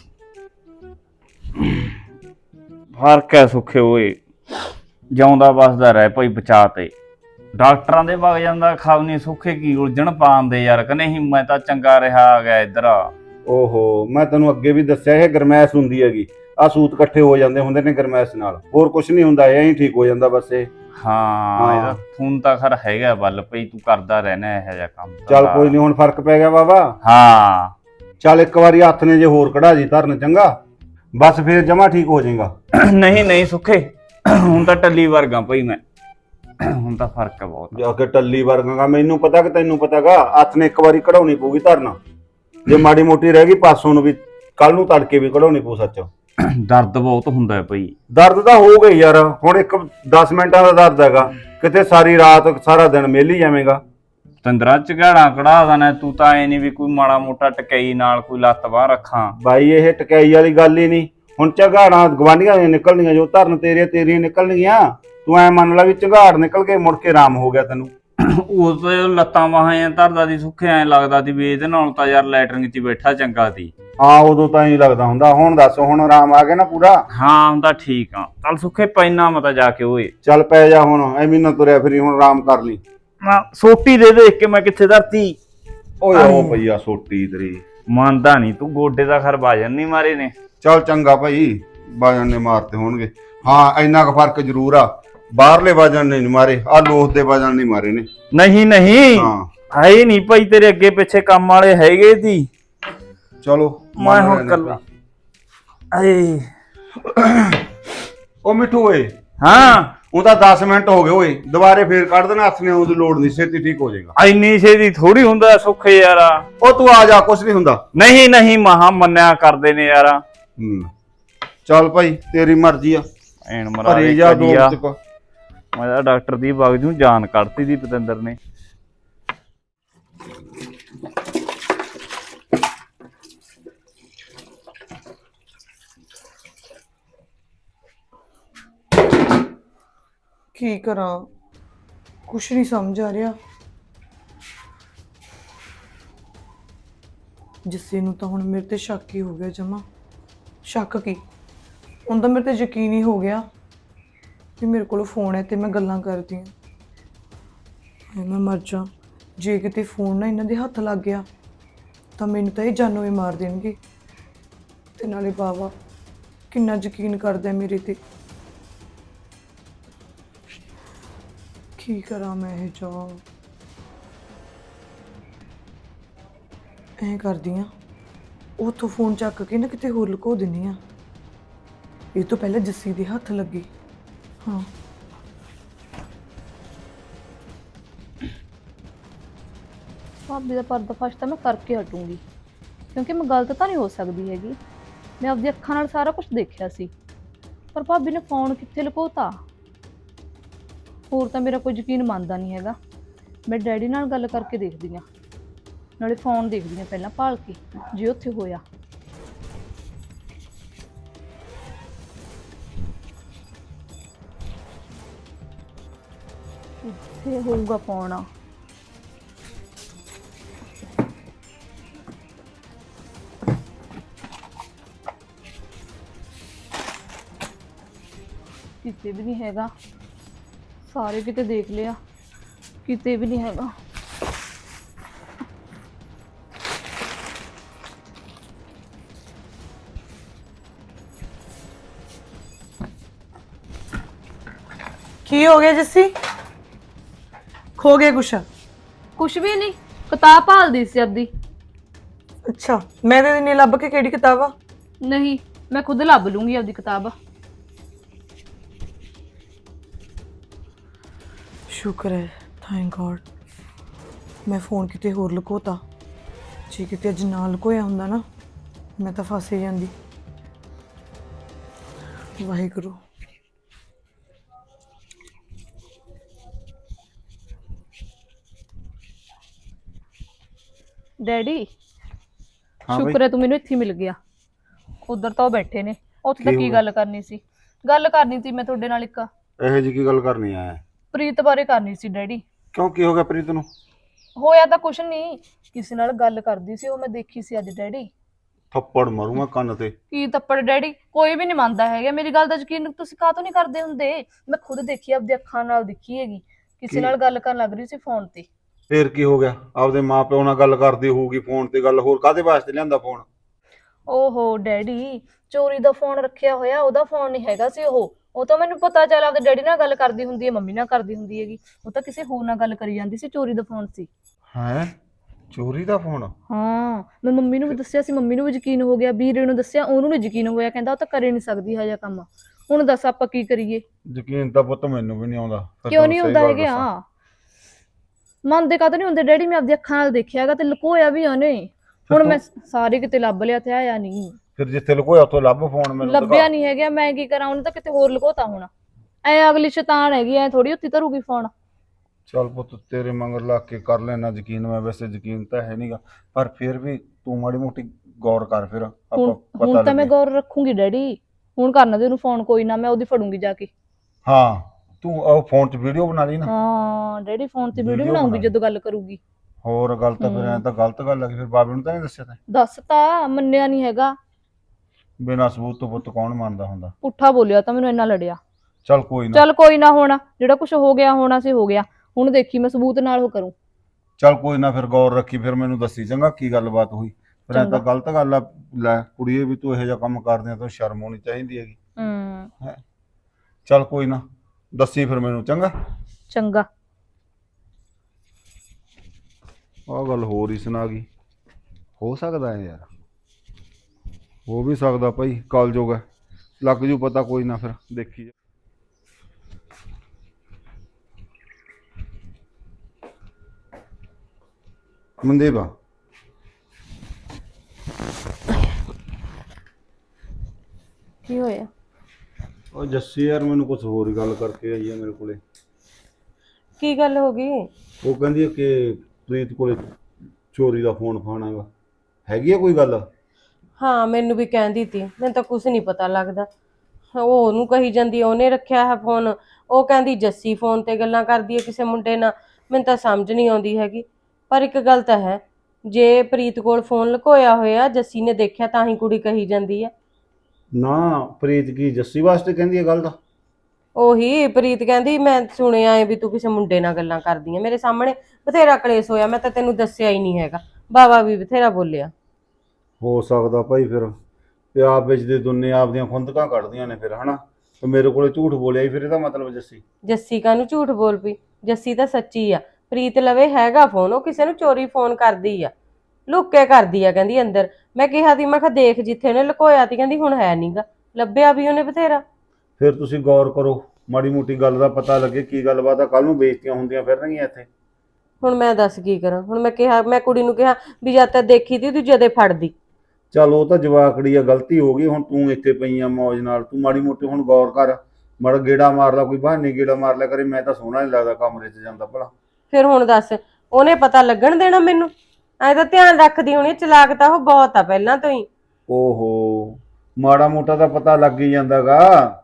Speaker 1: ਫਰਕ ਹੈ ਸੁੱਖੇ ਓਏ ਜਿਉਂਦਾ ਵਸਦਾ ਰਹਿ ਭਾਈ ਬਚਾ ਤੇ ਡਾਕਟਰਾਂ ਦੇ ਵਗ ਜਾਂਦਾ ਖਾਵਨੀ ਸੁੱਖੇ ਕੀ ਉਲਝਣ ਪਾਉਂਦੇ ਯਾਰ ਕਿ ਨਹੀਂ ਮੈਂ ਤਾਂ ਚੰਗਾ ਰਿਹਾ ਆ ਗਿਆ ਇੱਧਰ
Speaker 2: ਓਹੋ ਮੈਂ ਤੈਨੂੰ ਅੱਗੇ ਵੀ ਦੱਸਿਆ ਇਹ ਗਰਮੈਸ਼ ਹੁੰਦੀ ਹੈਗੀ ਆ ਸੂਤ ਇਕੱਠੇ ਹੋ ਜਾਂਦੇ ਹੁੰਦੇ ਨੇ ਗਰਮੈਸ਼ ਨਾਲ ਹੋਰ ਕੁਝ ਨਹੀਂ ਹੁੰਦਾ ਐਂ ਹੀ ਠੀਕ ਹੋ ਜਾਂਦਾ ਬਸ ਇਹ
Speaker 1: ਹਾਂ ਇਹਦਾ ਫੋਨ ਤਾਂ ਖਰ ਹੈਗਾ ਬੱਲ ਪਈ ਤੂੰ ਕਰਦਾ ਰਹਿਣਾ ਇਹੋ ਜਿਹਾ ਕੰਮ
Speaker 2: ਚੱਲ ਕੋਈ ਨਹੀਂ ਹੁਣ ਫਰਕ ਪੈ ਗਿਆ ਬਾਬਾ
Speaker 1: ਹਾਂ
Speaker 2: ਚੱਲ ਇੱਕ ਵਾਰੀ ਹੱਥ ਨੇ ਜੇ ਹੋਰ ਕਢਾ ਜੀ ਧਰਨ ਚੰਗਾ ਬਸ ਫੇਰ ਜਮਾ ਠੀਕ ਹੋ ਜਾਏਗਾ
Speaker 1: ਨਹੀਂ ਸੁੱਖੇ ਹੁਣ ਤਾਂ ਟੱਲੀ ਵਰਗਾ ਪਈ ਮੈਂ ਹੁਣ ਤਾਂ ਫਰਕ ਹੈ ਬਹੁਤ
Speaker 2: ਜਾ ਕੇ ਟੱਲੀ ਵਰਗਾਂਗਾ ਮੈਨੂੰ ਪਤਾ ਕਿ ਤੈਨੂੰ ਪਤਾਗਾ ਹੱਥ ਨੇ ਇੱਕ ਵਾਰੀ ਕਢਾਉਣੀ ਪਊਗੀ ਧਰਨਾ ਜੇ ਮਾੜੀ ਮੋਟੀ ਰਹਿ ਗਈ ਪਾਸੋਂ ਨੂੰ ਵੀ ਕੱਲ ਨੂੰ ਤੜਕੇ ਵੀ ਕਢਾਉਣੀ ਪਊ ਸੱਚ
Speaker 1: ਦਰਦ ਬਹੁਤ ਹੁੰਦਾ ਹੈ ਪਈ
Speaker 2: ਦਰਦ ਤਾਂ ਹੋ ਗਈ ਯਾਰ ਹੁਣ ਇੱਕ 10 ਮਿੰਟਾਂ ਦਾ ਦਰਦ ਹੈਗਾ ਕਿਤੇ ਸਾਰੀ ਰਾਤ ਸਾਰਾ ਦਿਨ ਮੇਲੀ ਜਾਵੇਂਗਾ
Speaker 1: ਤੰਦਰਾ ਝਗੜਾ ਕਢਾ ਦੇਣਾ ਤੂੰ ਤਾਂ ਐ ਨਹੀਂ ਵੀ ਕੋਈ ਮਾੜਾ ਮੋਟਾ ਟਕਈ ਨਾਲ ਕੋਈ ਲੱਤ ਬਾਹ ਰੱਖਾਂ
Speaker 2: ਬਾਈ ਇਹ ਟਕਾਈ ਵਾਲੀ ਗੱਲ ਹੀ ਨਹੀਂ ਹੁਣ ਝਗਾੜਾਂ ਗਵਾਂਢੀਆਂ ਦੀਆਂ ਨਿਕਲਣੀਆਂ ਜੋ ਧਰਨ ਤੇਰੀਆਂ ਨਿਕਲਣਗੀਆਂ ਤੂੰ ਐ ਮੰਨ ਲੈ ਵੀ ਝਗਾੜ ਨਿਕਲ ਕੇ ਮੁੜ ਕੇ ਆਰਾਮ ਹੋ ਗਿਆ ਤੈਨੂੰ
Speaker 1: ਉਹ ਤੇ ਲੱਤਾਂ ਬਾਹਾਂ ਧਰਦਾ ਦੀ ਸੁੱਖੇ ਐ ਲੱਗਦਾ ਸੀ ਵੀ ਇਹਦੇ ਨਾਲ ਤਾਂ ਯਾਰ ਲੈਟਰਿੰਗ 'ਚ ਬੈਠਾ ਚੰਗਾ ਸੀ
Speaker 2: ਹਾਂ ਉਦੋਂ ਤਾਂ ਹੀ ਲੱਗਦਾ ਹੁੰਦਾ ਹੁਣ ਦੱਸ ਹੁਣ ਆਰਾਮ ਆ ਗਿਆ ਨਾ ਪੂਰਾ
Speaker 1: ਹਾਂ ਹੁੰਦਾ ਠੀਕ ਆ ਚੱਲ ਸੁੱਖੇ ਪੈਨਾ ਮਤਾ ਜਾ ਕੇ ਓਏ
Speaker 2: ਚੱਲ ਪੈ ਜਾ ਹੁਣ ਐਵੇਂ ਨਾ ਤੁਰਿਆ ਫਿਰੀ ਹੁਣ ਆਰਾਮ ਕਰ ਲਈ
Speaker 1: ਸੋਟੀ ਦੇ ਦੇਖ ਕੇ ਮੈਂ ਕਿੱਥੇ ਧਰਤੀ
Speaker 2: ਓਏ ਉਹ ਪਈਆ ਸੋਟੀ ਤੇਰੀ
Speaker 1: ਮੰਨਦਾ ਨਹੀਂ ਤੂੰ ਗੋਡੇ ਦਾ ਖਰ ਬਾਜਨ ਨਹੀਂ ਮਾਰੇ ਨੇ
Speaker 2: ਚੱਲ ਚੰਗਾ ਭਾਈ ਬਾਜਨ ਨੇ ਮਾਰਤੇ ਹੋਣਗੇ ਹਾਂ ਇੰਨਾ ਕੁ ਫਰਕ ਜ਼ਰੂਰ ਆ ਬਾਹਰਲੇ ਬਾਜਨ ਨੇ ਨਹੀਂ ਮਾਰੇ ਆ ਲੋਥ ਦੇ ਬਾਜਨ ਨਹੀਂ ਮਾਰੇ ਨੇ
Speaker 1: ਨਹੀਂ
Speaker 2: ਹਾਂ
Speaker 1: ਹੈ ਨਹੀਂ ਭਾਈ ਤੇਰੇ ਅੱਗੇ ਪਿੱਛੇ ਕੰਮ ਵਾਲੇ ਹੈਗੇ ਸੀ
Speaker 2: ਚਲੋ
Speaker 1: ਮੈਂ ਹੁਣ ਕੱਲਾ ਏ
Speaker 2: ਉਹ ਮਿੱਠੂ ਓਏ
Speaker 1: ਹਾਂ
Speaker 2: ਉਹ ਤਾਂ 10 ਮਿੰਟ ਹੋ ਗਏ ਓਏ ਦੁਬਾਰੇ ਫੇਰ ਕੱਢ ਦੇਣਾ ਹੱਥ ਨੇ ਉਹਦੀ ਲੋੜ ਨਹੀਂ ਛੇਤੀ ਠੀਕ ਹੋ ਜਾਏਗਾ
Speaker 1: ਇੰਨੀ ਛੇਤੀ ਥੋੜੀ ਹੁੰਦਾ ਸੁੱਖੇ ਯਾਰ
Speaker 2: ਉਹ ਤੂੰ ਆ ਜਾ ਕੁਛ ਨਹੀਂ ਹੁੰਦਾ
Speaker 1: ਨਹੀਂ ਮਹਾ ਮੰਨਿਆ ਕਰਦੇ ਨੇ ਯਾਰ
Speaker 2: ਚੱਲ ਭਾਈ ਤੇਰੀ ਮਰਜ਼ੀ ਆ
Speaker 1: ਐਨ ਮਰਾ
Speaker 2: ਭਰੀ ਜਾ ਦੋ
Speaker 1: ਮੈਂ ਤਾਂ ਡਾਕਟਰ ਦੀ ਵਗ ਜੂ ਜਾਨ ਕੱਢਤੀ ਦੀ ਪਤੰਦਰ ਨੇ
Speaker 4: ਕੀ ਕਰਾਂ, ਕੁਛ ਨਹੀਂ ਸਮਝ ਆ ਰਿਹਾ। ਜਿਸੇ ਨੂੰ ਤਾਂ ਹੁਣ ਮੇਰੇ ਤੇ ਸ਼ੱਕ ਹੀ ਹੋ ਗਿਆ ਜਮਾ। ਸ਼ੱਕ ਕੀ, ਹੁਣ ਤਾਂ ਮੇਰੇ ਤੇ ਯਕੀਨ ਹੀ ਹੋ ਗਿਆ ਕਿ ਮੇਰੇ ਕੋਲ ਫੋਨ ਹੈ ਤੇ ਮੈਂ ਗੱਲਾਂ ਕਰਦੀ ਹਾਂ। ਹਾਏ ਮੈਂ ਮਰ ਜਾ, ਜੇ ਕਿਤੇ ਫੋਨ ਨਾ ਇਹਨਾਂ ਦੇ ਹੱਥ ਲੱਗ ਗਿਆ ਤਾਂ ਮੈਨੂੰ ਤਾਂ ਇਹ ਜਾਨੋਂ ਹੀ ਮਾਰ ਦੇਣਗੇ। ਤੇ ਨਾਲੇ ਬਾਵਾ ਕਿੰਨਾ ਯਕੀਨ ਕਰਦਾ ਮੇਰੇ ਤੇ। ਕੀ ਕਰਾਂ ਮੈਂ ਇਹ ਜਾ, ਐਂ ਕਰਦੀ ਆ ਉੱਥੋਂ ਫੋਨ ਚੱਕ ਕੇ ਨਾ ਕਿਤੇ ਹੋਰ ਲੁਕੋ ਦਿੰਦੀ ਆ। ਇਹ ਤੋਂ ਪਹਿਲਾਂ ਜੱਸੀ ਦੇ ਹੱਥ ਲੱਗੇ। ਹਾਂ
Speaker 5: ਭਾਬੀ ਦਾ ਪਰਦਾਫਾਸ਼ ਤਾਂ ਮੈਂ ਕਰਕੇ ਹਟੂੰਗੀ, ਕਿਉਂਕਿ ਮੈਂ ਗਲਤ ਤਾਂ ਨਹੀਂ ਹੋ ਸਕਦੀ ਹੈਗੀ। ਮੈਂ ਆਪਣੀ ਅੱਖਾਂ ਨਾਲ ਸਾਰਾ ਕੁਝ ਦੇਖਿਆ ਸੀ, ਪਰ ਭਾਬੀ ਨੇ ਫੋਨ ਕਿੱਥੇ ਲੁਕੋਤਾ। ਹੋਰ ਤਾਂ ਮੇਰਾ ਕੋਈ ਯਕੀਨ ਮੰਨਦਾ ਨਹੀਂ ਹੈਗਾ। ਮੈਂ ਡੈਡੀ ਨਾਲ ਗੱਲ ਕਰਕੇ ਦੇਖਦੀ ਹਾਂ, ਨਾਲੇ ਫੋਨ ਦੇਖਦੀ ਹਾਂ ਪਹਿਲਾਂ ਭਾਲ ਕੇ, ਜੇ ਉੱਥੇ ਹੋਇਆ। ਇੱਥੇ ਹੋਊਗਾ ਫੋਨ। ਕਿਤੇ ਵੀ ਨਹੀਂ ਹੈਗਾ, ਸਾਰੇ ਕਿਤੇ ਦੇਖ ਲਿਆ, ਕਿਤੇ ਵੀ ਨਹੀਂ ਹੈਗਾ।
Speaker 4: ਕੀ ਹੋ ਗਿਆ ਜੱਸੀ, ਖੋ ਗਿਆ ਕੁਛ?
Speaker 5: ਕੁਛ ਵੀ ਨਹੀਂ, ਕਿਤਾਬ ਭਾਲਦੀ ਸੀ ਆਪਦੀ।
Speaker 4: ਅੱਛਾ, ਮੈਂ ਤੇ ਨਹੀਂ ਲੱਭ ਕੇ ਕਿਹੜੀ ਕਿਤਾਬ ਆ?
Speaker 5: ਨਹੀਂ, ਮੈਂ ਖੁਦ ਲੱਭ ਲੂੰਗੀ ਆਪਦੀ ਕਿਤਾਬ।
Speaker 4: ਸ਼ੁਕਰ ਹੈ, ਥੈਂਕ ਗॉड ਮੈਂ ਫੋਨ ਕਿਤੇ ਹੋਰ ਲੁਕੋਤਾ। ਜੇ ਕਿਤੇ ਅੱਜ ਨਾ ਲੁਕੋਇਆ ਹੁੰਦਾ ਨਾ, ਮੈਂ ਤਾਂ ਫਸ ਹੀ ਜਾਂਦੀ। ਵਾਹਿਗੁਰੂ।
Speaker 5: ਡੈਡੀ
Speaker 2: ਹਾਂ
Speaker 5: ਸ਼ੁਕਰ ਹੈ ਤੂੰ ਮੈਨੂੰ ਇੱਥੇ ਮਿਲ ਗਿਆ। ਉਧਰ ਤਾਂ ਉਹ ਬੈਠੇ ਨੇ, ਉੱਥੇ ਤਾਂ
Speaker 2: ਕੀ
Speaker 5: ਕੀ
Speaker 2: ਹੋ
Speaker 5: ਗੱਲ ਕਰਨੀ ਸੀ? ਗੱਲ ਕਰਨੀ ਸੀ ਮੈਂ ਤੁਹਾਡੇ ਨਾਲ ਇੱਕ
Speaker 2: ਇਹੋ ਜਿਹੀ ਕੀ ਗੱਲ ਕਰਨੀ ਆਇਆ?
Speaker 5: ਪ੍ਰੀਤ ਬਾਰੇ ਕਰਨੀ ਸੀ ਡੈਡੀ।
Speaker 2: ਕਿਉਂ, ਕੀ ਹੋ ਗਿਆ ਪ੍ਰੀਤ ਨੂੰ?
Speaker 5: ਹੋਇਆ ਤਾਂ ਕੁਛ ਨਹੀਂ, ਕਿਸੇ ਨਾਲ ਗੱਲ ਕਰਦੀ ਸੀ, ਉਹ ਮੈਂ ਦੇਖੀ ਸੀ ਅੱਜ ਡੈਡੀ।
Speaker 2: ਥੱਪੜ ਮਾਰੂੰਗਾ ਕੰਨ ਤੇ।
Speaker 5: ਕੀ ਤੱਪੜ ਡੈਡੀ, ਕੋਈ ਵੀ ਨਹੀਂ ਮੰਨਦਾ ਹੈਗਾ ਮੇਰੀ ਗੱਲ ਦਾ ਯਕੀਨ ਤੁਸੀਂ ਕਾਹਤੋਂ ਨਹੀਂ ਕਰਦੇ ਹੁੰਦੇ? ਮੈਂ ਖੁਦ ਦੇਖੀ, ਆਪਦੀ ਅੱਖਾਂ ਨਾਲ ਦੇਖੀ ਹੈਗੀ। ਕਿਸੇ ਨਾਲ ਗੱਲ ਕਰਨ ਲੱਗ ਰਹੀ ਸੀ ਫੋਨ ਤੇ।
Speaker 2: ਫੇਰ ਕੀ ਹੋ ਗਿਆ? ਆਪਦੇ ਮਾਪਿਓ ਨਾਲ ਗੱਲ ਕਰਦੀ ਹੋਊਗੀ ਫੋਨ ਤੇ, ਗੱਲ ਹੋਰ ਕਾਹਦੇ ਵਾਸਤੇ ਲਿਆਂਦਾ ਫੋਨ?
Speaker 5: ਓਹੋ ਡੈਡੀ, ਚੋਰੀ ਦਾ ਫੋਨ ਰੱਖਿਆ ਹੋਇਆ, ਉਹਦਾ ਫੋਨ ਨਹੀਂ ਹੈਗਾ ਸੀ ਉਹ ਤਾਂ ਮੈਨੂੰ ਪਤਾ ਚੱਲ ਆਪਦੇ ਡੈਡੀ ਨਾਲ ਗੱਲ ਕਰਦੀ ਹੁੰਦੀ ਹੈ, ਮੰਮੀ ਨਾਲ ਕਰਦੀ ਹੁੰਦੀ ਹੈਗੀ। ਉਹ ਤਾਂ ਕਿਸੇ ਹੋਰ ਨਾਲ ਗੱਲ ਕਰੀ ਜਾਂਦੀ ਸੀ, ਚੋਰੀ ਦਾ ਫੋਨ ਸੀ।
Speaker 2: ਹੈ ਚੋਰੀ ਦਾ ਫੋਨ?
Speaker 5: ਹਾਂ, ਮੈਂ ਮੰਮੀ ਨੂੰ ਵੀ ਦੱਸਿਆ ਸੀ, ਮੰਮੀ ਨੂੰ ਵੀ ਯਕੀਨ ਹੋ ਗਿਆ, ਵੀਰੇ ਨੂੰ ਦੱਸਿਆ, ਉਹਨੂੰ ਨੀ ਯਕੀਨ ਹੋਇਆ, ਕਹਿੰਦਾ ਉਹ ਤਾਂ ਕਰੇ ਨਹੀਂ ਸਕਦੀ ਹਜਾ ਕੰਮ। ਹੁਣ ਦੱਸ ਆਪਾਂ ਕੀ ਕਰੀਏ?
Speaker 2: ਯਕੀਨ ਤਾਂ ਪੁੱਤ ਮੈਨੂੰ ਵੀ ਨਹੀਂ ਆਉਂਦਾ। ਫਿਰ
Speaker 5: ਕਿਉਂ
Speaker 2: ਤੈਨੂੰ
Speaker 5: ਨਹੀਂ
Speaker 2: ਸਹੀ
Speaker 5: ਹੁੰਦਾ
Speaker 2: ਗੱਲ
Speaker 5: ਹੈਗਾ?
Speaker 2: ਦੱਸਾਂ।
Speaker 5: ਮੰਨਦੇ ਕਾਹਤੋਂ ਨਹੀਂ ਹੁੰਦੇ ਡੈਡੀ? ਮੈਂ ਆਪਦੀ ਅੱਖਾਂ ਨਾਲ ਦੇਖਿਆ ਹੈਗਾ ਤੇ ਲੁਕੋਇਆ ਵੀ ਉਹਨੇ। ਹੁਣ ਮੈਂ ਸਾਰੇ ਕਿਤੇ ਲੱਭ ਲਿਆ ਤੇ ਆਇਆ ਨਹੀਂ।
Speaker 2: ਫਿਰ ਜਿੱਥੇ ਲੁਕੋਇਆ ਉੱਥੋਂ ਲੱਭ ਫੋਨ ਮੈਨੂੰ ਦਿਖਾ।
Speaker 5: ਲੱਭਿਆ ਨਹੀਂ ਹੈਗਾ, ਮੈਂ ਕੀ ਕਰਾਂ? ਉਹਨੇ ਤਾਂ ਕਿਤੇ ਹੋਰ ਲੁਕੋਤਾ ਹੋਣਾ। ਐ ਅਗਲੀ ਸ਼ੈਤਾਨ ਹੈਗੀ, ਐ ਥੋੜੀ ਉੱਤੀ ਧਰੂਗੀ ਫੋਨ।
Speaker 2: ਚੱਲ ਪੁੱਤ, ਤੇਰੇ ਮਗਰ ਲੱਗ ਕੇ ਕਰ ਲੈਣਾ ਯਕੀਨ। ਮੈਂ ਵੈਸੇ ਯਕੀਨ ਤਾਂ ਹੈ ਨਹੀਂਗਾ, ਪਰ ਫਿਰ ਵੀ ਤੂੰ ਮਾੜੀ ਮੋਟੀ ਗੌਰ ਕਰ, ਫਿਰ ਆਪਾਂ
Speaker 5: ਹੁਣ
Speaker 2: ਪਤਾ
Speaker 5: ਤਾਂ ਮੈਂ
Speaker 2: ਲੱਗੇ।
Speaker 5: ਗੌਰ ਰੱਖੂੰਗੀ ਡੈਡੀ। ਹੁਣ ਕਰਨਾ ਦੇ ਉਹਨੂੰ ਫੋਨ, ਕੋਈ ਨਾ, ਮੈਂ ਉਹਦੀ ਫੜੂੰਗੀ ਜਾ ਕੇ।
Speaker 2: ਹਾਂ, ਤੂੰ ਉਹ ਫੋਨ 'ਚ ਵੀਡੀਓ ਬਣਾ ਲਈ ਨਾ।
Speaker 5: ਹਾਂ ਡੈਡੀ, ਫੋਨ ਤੇ ਵੀਡੀਓ
Speaker 2: ਵੀਡੀਓ
Speaker 5: ਬਣਾਉਂਗੀ
Speaker 2: ਬਣਾ ਲਈ।
Speaker 5: ਜਦੋਂ ਗੱਲ ਕਰੂਗੀ।
Speaker 2: ਹੋਰ ਗੱਲ ਤਾਂ ਫਿਰ ਐਂ ਤਾਂ ਗਲਤ ਗੱਲ ਆ ਗਈ। ਫਿਰ ਬਾਬੇ ਨੂੰ ਤਾਂ ਨਹੀਂ ਦੱਸਿਆ ਤੈਂ?
Speaker 5: ਦੱਸ ਤਾਂ, ਮੰਨਿਆ ਨਹੀਂ ਹੈਗਾ।
Speaker 2: ਬਿਨਾਂ ਸਬੂਤ ਤੋਂ ਪੁੱਤ ਕੌਣ ਮੰਨਦਾ ਹੁੰਦਾ?
Speaker 5: ਪੁੱਠਾ ਬੋਲਿਆ ਤਾਂ ਮੈਨੂੰ ਇੰਨਾ ਲੜਿਆ।
Speaker 2: ਚੱਲ ਕੋਈ ਨਾ।
Speaker 5: ਚੱਲ ਕੋਈ ਨਾ, ਹੋਣਾ ਜਿਹੜਾ ਕੁਝ ਹੋ ਗਿਆ ਹੋਣਾ ਸੀ ਹੋ ਗਿਆ। ਹੁਣ ਦੇਖੀ ਮੈਂ ਸਬੂਤ ਨਾਲ ਉਹ ਕਰੂੰ।
Speaker 2: ਚੱਲ ਕੋਈ ਨਾ, ਫਿਰ ਗੌਰ ਰੱਖੀ, ਫਿਰ ਮੈਨੂੰ ਦੱਸੀ ਚੰਗਾ ਕੀ ਗੱਲਬਾਤ ਹੋਈ। ਫਿਰ ਐਂ ਤਾਂ ਗਲਤ ਗੱਲ ਆ। ਲੈ ਕੁੜੀਏ, ਵੀ ਤੂੰ ਇਹੋ ਜਿਹਾ ਕੰਮ ਕਰਦੇ ਆ ਤਾਂ ਸ਼ਰਮ ਹੋਣੀ ਚਾਹੀਦੀ ਹੈਗੀ। ਹੈ ਚੱਲ ਕੋਈ ਨਾ, ਦੱਸੀ ਫਿਰ ਮੈਨੂੰ ਚੰਗਾ।
Speaker 5: ਚੰਗਾ।
Speaker 2: ਆਹ ਗੱਲ ਹੋਰ ਹੀ ਸੁਣਾ ਗਈ। ਹੋ ਸਕਦਾ ਹੈ ਯਾਰ, ਹੋ ਵੀ ਸਕਦਾ ਭਾਈ, ਕਲਯੁਗ ਹੈ, ਲੱਗ ਜੂ ਪਤਾ। ਕੋਈ ਨਾ, ਫਿਰ ਦੇਖੀ ਜਾ। ਮਨਦੀਪ,
Speaker 5: ਕੀ ਹੋਇਆ?
Speaker 2: ਉਹ ਜੱਸੀ ਯਾਰ ਮੈਨੂੰ ਕੁਝ ਹੋਰ ਹੀ ਗੱਲ ਕਰਕੇ ਆਈ ਹੈ ਮੇਰੇ ਕੋਲੇ।
Speaker 4: ਕੀ ਗੱਲ ਹੋ ਗਈ?
Speaker 2: ਉਹ ਕਹਿੰਦੀ ਹੈ ਕਿ ਪ੍ਰੀਤ ਕੋਲੇ ਚੋਰੀ ਦਾ ਫੋਨ ਫਾਨ ਹੈਗੀ ਆ ਕੋਈ ਗੱਲ?
Speaker 6: ਹਾਂ, ਮੈਨੂੰ ਵੀ ਕਹਿੰਦੀ ਤੀ, ਮੈਨੂੰ ਤਾਂ ਕੁਝ ਨਹੀਂ ਪਤਾ ਲੱਗਦਾ। ਉਹ ਉਹਨੂੰ ਕਹੀ ਜਾਂਦੀ ਆ, ਉਹਨੇ ਰੱਖਿਆ ਹੈ ਫੋਨ। ਉਹ ਕਹਿੰਦੀ ਜੱਸੀ ਫੋਨ ਤੇ ਗੱਲਾਂ ਕਰਦੀ ਹੈ ਕਿਸੇ ਮੁੰਡੇ ਨਾਲ। ਮੈਨੂੰ ਤਾਂ ਸਮਝ ਨਹੀਂ ਆਉਂਦੀ ਹੈਗੀ। ਪਰ ਇੱਕ ਗੱਲ ਤਾਂ ਹੈ, ਜੇ ਪ੍ਰੀਤ ਕੋਲ ਫੋਨ ਲੁਕੋਇਆ ਹੋਇਆ ਜੱਸੀ ਨੇ ਦੇਖਿਆ ਤਾਂ ਹੀ ਕੁੜੀ ਕਹੀ ਜਾਂਦੀ ਆ।
Speaker 2: ਨਾ ਪ੍ਰੀਤ ਕੀ ਜੱਸੀ ਵਾਸਤੇ ਕਹਿੰਦੀ ਹੈ ਗੱਲ ਦਾ?
Speaker 6: ਉਹੀ ਪ੍ਰੀਤ ਕਹਿੰਦੀ ਮੈਂ ਸੁਣਿਆ ਏ ਵੀ ਤੂੰ ਕਿਸੇ ਮੁੰਡੇ ਨਾਲ ਗੱਲਾਂ ਕਰਦੀ ਆ, ਮੇਰੇ ਸਾਹਮਣੇ ਬਥੇਰਾ ਕਲੇਸ਼ ਹੋਇਆ, ਮੈਂ ਤਾਂ ਤੈਨੂੰ ਦੱਸਿਆ ਹੀ ਨਹੀਂ ਹੈਗਾ। ਬਾਬਾ ਵੀ ਬਥੇਰਾ ਬੋਲਿਆ।
Speaker 2: ਹੋ ਸਕਦਾ ਭਾਈ ਫਿਰ ਤੇ ਆਪ ਵਿੱਚ ਦੇ ਦੁੰਨੇ ਆਪਦੀਆਂ ਖੁੰਦਕਾਂ ਕੱਢਦੀਆਂ ਨੇ ਫਿਰ, ਹਨਾ। ਤੇ ਮੇਰੇ ਕੋਲੇ ਝੂਠ ਬੋਲਿਆ ਹੀ ਫਿਰ, ਇਹਦਾ ਮਤਲਬ ਜੱਸੀ।
Speaker 6: ਜੱਸੀ ਕਾਹਨੂੰ ਝੂਠ ਬੋਲ ਪਈ? ਜੱਸੀ ਤਾਂ ਸੱਚੀ ਆ। ਪ੍ਰੀਤ ਲਵੇ ਹੈਗਾ ਫੋਨ, ਉਹ ਕਿਸੇ ਨੂੰ ਚੋਰੀ ਫੋਨ ਕਰਦੀ ਆ, ਲੁੱਕ ਕੇ ਕਰਦੀ ਆ ਕਹਿੰਦੀ ਅੰਦਰ। ਮੈਂ ਕਿਹਾ ਤੀ, ਮੈਂ ਕਿਹਾ ਦੇਖ ਜਿੱਥੇ ਉਹਨੇ ਲੁਕੋਇਆ ਤੀ, ਕਹਿੰਦੀ ਹੁਣ ਹੈ ਨਹੀਂਗਾ, ਲੱਭਿਆ ਵੀ ਉਹਨੇ ਬਥੇਰਾ।
Speaker 2: ਫਿਰ ਤੁਸੀਂ ਗੌਰ ਕਰੋ, ਮਾੜੀ ਮੋਟੀ ਗੱਲ ਦਾ ਪਤਾ ਲੱਗੇ ਕੀ ਗੱਲਬਾਤ ਆ, ਕੱਲ ਨੂੰ ਬੇਇੱਜ਼ਤੀਆਂ ਹੁੰਦੀਆਂ ਫਿਰਨਗੀਆਂ ਇੱਥੇ।
Speaker 6: ਹੁਣ ਮੈਂ ਦੱਸ ਕੀ ਕਰਾਂ? ਹੁਣ ਮੈਂ ਕਿਹਾ, ਮੈਂ ਕੁੜੀ ਨੂੰ ਕਿਹਾ ਵੀ ਜਦ ਤੱਕ ਦੇਖੀ ਤੀ ਤੂੰ ਜਦੇ ਫੜਦੀ।
Speaker 2: ਚੱਲ ਉਹ ਤਾਂ ਜਵਾਕੜੀ ਆ, ਗਲਤੀ ਹੋ ਗਈ। ਹੁਣ ਤੂੰ ਇੱਥੇ ਪਈ ਆ ਮੌਜ ਨਾਲ, ਤੂੰ ਮਾੜੀ ਮੋਟੀ ਹੁਣ ਗੌਰ ਕਰ। ਮੜ ਗੇੜਾ ਮਾਰ ਲਾ, ਕੋਈ ਬਹਾਨੇ ਗੇੜਾ ਮਾਰ ਲਿਆ ਕਰੇ। ਮੈਂ ਤਾਂ ਸੋਹਣਾ ਨਹੀਂ ਲੱਗਦਾ ਕਮਰੇ 'ਚ ਜਾਂਦਾ ਭਲਾ।
Speaker 6: ਫਿਰ ਹੁਣ ਦੱਸ, ਉਹਨੇ ਪਤਾ ਲੱਗਣ ਦੇਣਾ ਮੈਨੂੰ? ਐ ਤਾਂ ਧਿਆਨ ਰੱਖਦੀ ਹੋਣੀ, ਚਲਾਕ ਤਾਂ ਉਹ ਬਹੁਤ ਆ ਪਹਿਲਾਂ ਤੋਂ ਹੀ।
Speaker 2: ਓਹੋ, ਮਾੜਾ ਮੋਟਾ ਤਾਂ ਪਤਾ ਲੱਗ ਹੀ ਜਾਂਦਾਗਾ।